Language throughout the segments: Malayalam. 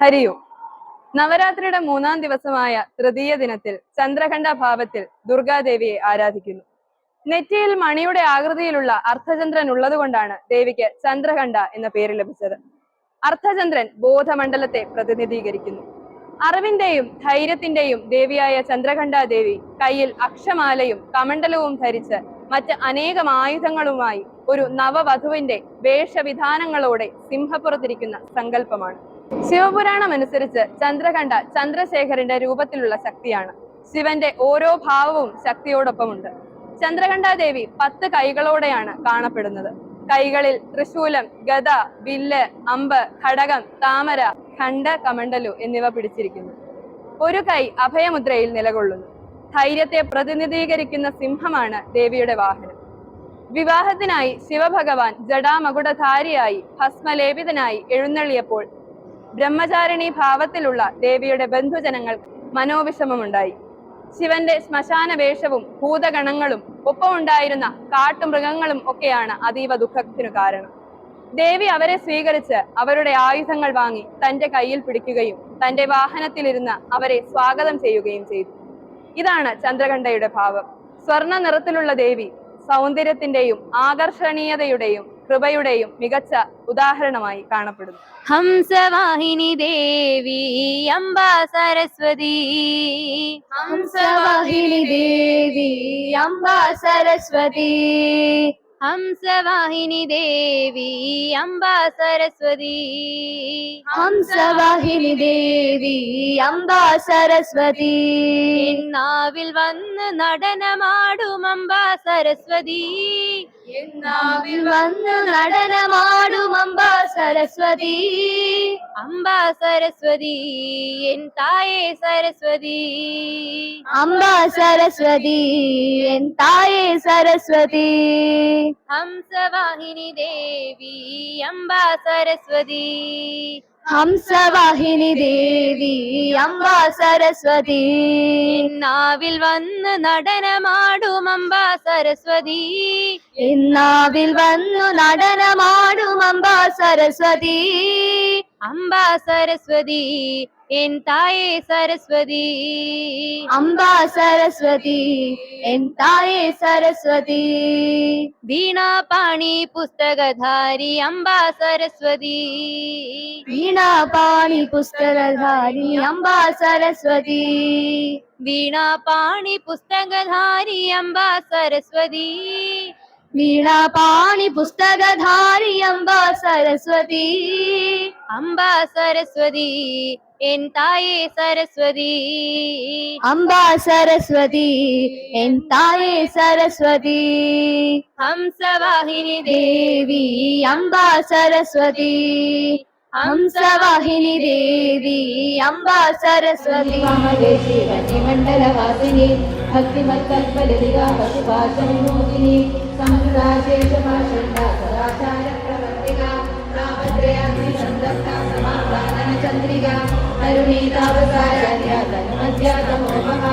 ഹരിയോ. നവരാത്രിയുടെ 3-ാം ദിവസമായ തൃതീയ ദിനത്തിൽ ചന്ദ്രഘണ്ഠ ഭാവത്തിൽ ദുർഗാദേവിയെ ആരാധിക്കുന്നു. നെറ്റിയിൽ മണിയുടെ ആകൃതിയിലുള്ള അർദ്ധചന്ദ്രൻ ഉള്ളതുകൊണ്ടാണ് ദേവിക്ക് ചന്ദ്രഘണ്ഠ എന്ന പേര് ലഭിച്ചത്. അർദ്ധചന്ദ്രൻ ബോധമണ്ഡലത്തെ പ്രതിനിധീകരിക്കുന്നു. അറിവിന്റെയും ധൈര്യത്തിന്റെയും ദേവിയായ ചന്ദ്രഘണ്ഠ ദേവി കയ്യിൽ അക്ഷമാലയും കമണ്ഡലവും ധരിച്ച് മറ്റ് അനേകം ആയുധങ്ങളുമായി ഒരു നവവധുവിന്റെ വേഷവിധാനങ്ങളോടെ സിംഹപ്പുറത്തിരിക്കുന്ന സങ്കല്പമാണ്. ശിവപുരാണം അനുസരിച്ച് ചന്ദ്രഘണ്ഠ ചന്ദ്രശേഖരന്റെ രൂപത്തിലുള്ള ശക്തിയാണ്. ശിവന്റെ ഓരോ ഭാവവും ശക്തിയോടൊപ്പമുണ്ട്. ചന്ദ്രഘണ്ഠാദേവി 10 കൈകളോടെയാണ് കാണപ്പെടുന്നത്. കൈകളിൽ ത്രിശൂലം, ഗദ, വില്ല്, അമ്പ്, ഘടകം, താമര, ഖണ്ഡ, കമണ്ഡലു എന്നിവ പിടിച്ചിരിക്കുന്നു. ഒരു കൈ അഭയമുദ്രയിൽ നിലകൊള്ളുന്നു. ധൈര്യത്തെ പ്രതിനിധീകരിക്കുന്ന സിംഹമാണ് ദേവിയുടെ വാഹനം. വിവാഹത്തിനായി ശിവഭഗവാൻ ജടാമകുടധാരിയായി ഭസ്മലേപിതനായി എഴുന്നള്ളിയപ്പോൾ ബ്രഹ്മചാരിണി ഭാവത്തിലുള്ള ദേവിയുടെ ബന്ധുജനങ്ങൾ മനോവിഷമമുണ്ടായി. ശിവന്റെ ശ്മശാന വേഷവും ഭൂതഗണങ്ങളും ഒപ്പമുണ്ടായിരുന്ന കാട്ടുമൃഗങ്ങളും ഒക്കെയാണ് അതീവ ദുഃഖത്തിനു കാരണം. ദേവി അവരെ സ്വീകരിച്ച് അവരുടെ ആയുധങ്ങൾ വാങ്ങി തന്റെ കയ്യിൽ പിടിക്കുകയും തന്റെ വാഹനത്തിലിരുന്ന് അവരെ സ്വാഗതം ചെയ്യുകയും ചെയ്തു. ഇതാണ് ചന്ദ്രഘണ്ഠയുടെ ഭാവം. സ്വർണ്ണ നിറത്തിലുള്ള ദേവി സൗന്ദര്യത്തിന്റെയും ആകർഷണീയതയുടെയും കൃപയുടെയും മികച്ച ഉദാഹരണമായി കാണപ്പെടുന്നു. ഹംസവാഹിനി ദേവി അംബാ സരസ്വതി. ഹംസവാഹിനി ദേവി അംബാ സരസ്വതി. ഹംസവാഹിനി ദേവി അംബാ സരസ്വതി. ഹംസവാഹിനി ദേവി അംബാ സരസ്വതി. നാവിൽ വന്ന് നടനമാടും അംബാ സരസ്വതി. നാവിൽ വന്ന് നടനമാടും അംബാ സരസ്വതി. അംബാ സരസ്വതി എൻ തായേ സരസ്വതി. അംബാ സരസ്വതി എൻ തായേ സരസ്വതി. ഹംസവാഹിനി ദേവി അംബാ സരസ്വതി. ഹംസവാഹിനി ദേവി അംബാ സരസ്വതി. നാവിൽ വന്ന് നടനമാടും അംബാ സരസ്വതി. നാവിൽ വന്നു നടനമാടും അംബാ സരസ്വതി. അംബാ സരസ്വതി എൻ തായേ സരസ്വതി. അംബാ സരസ്വതി എൻ തായേ സരസ്വതി. വീണാപാണി പുസ്തകധാരി അംബാ സരസ്വതി. വീണാപാണി പുസ്തകധാരി അംബാ സരസ്വതി. വീണാപാണി പുസ്തകധാരി അംബാ സരസ്വതി. വീണാപാണി പുസ്തകധാരി അംബാ സരസ്വതി. അംബാ സരസ്വതി എൻ തായേ സരസ്വതി. അംബാ സരസ്വതി എൻ തായേ സരസ്വതി. ഹംസവാഹിനി ദേവി അംബാ സരസ്വതി. ഹംസവാഹിനി ദേവി അംബാ സരസ്വതി. മണ്ഡലവാസിനി ഭക്തിമത്കൽപലതികാ പശുപാശവിനോദിനി സമുദ്രാശേഷമാഷണ്ഡാചാരപ്രവർത്തിക താപത്രയാഗ്നിസന്തപ്ത സമാധാനചന്ദ്രിക കരുണീതാവസാരണ്യ തന്മധ്യാതമോഹഃ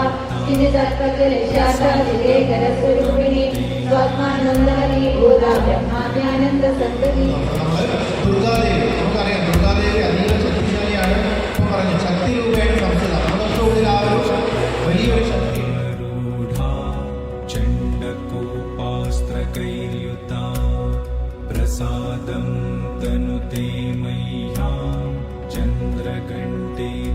ചിന്തിതർപ്പകലേശാസ്വരൂപിണി സ്വാത്മാനന്ദനീ ഭൂതാ ബ്രഹ്മാദ്യാനന്ദ സന്തതി. നമുക്കറിയാം ദുർഗാദേവി അതീവ ശക്തിശാലിയാണ്. പറഞ്ഞു ശക്തി രൂപയുടെ സംസ്ഥിത നമ്മളൊക്കെ ഉള്ളിൽ ആ ഒരു വലിയൊരു ശക്തി. चण्डकोपास्त्रकैर्युता प्रसादं तनुते मह्यं चन्द्रघण्टे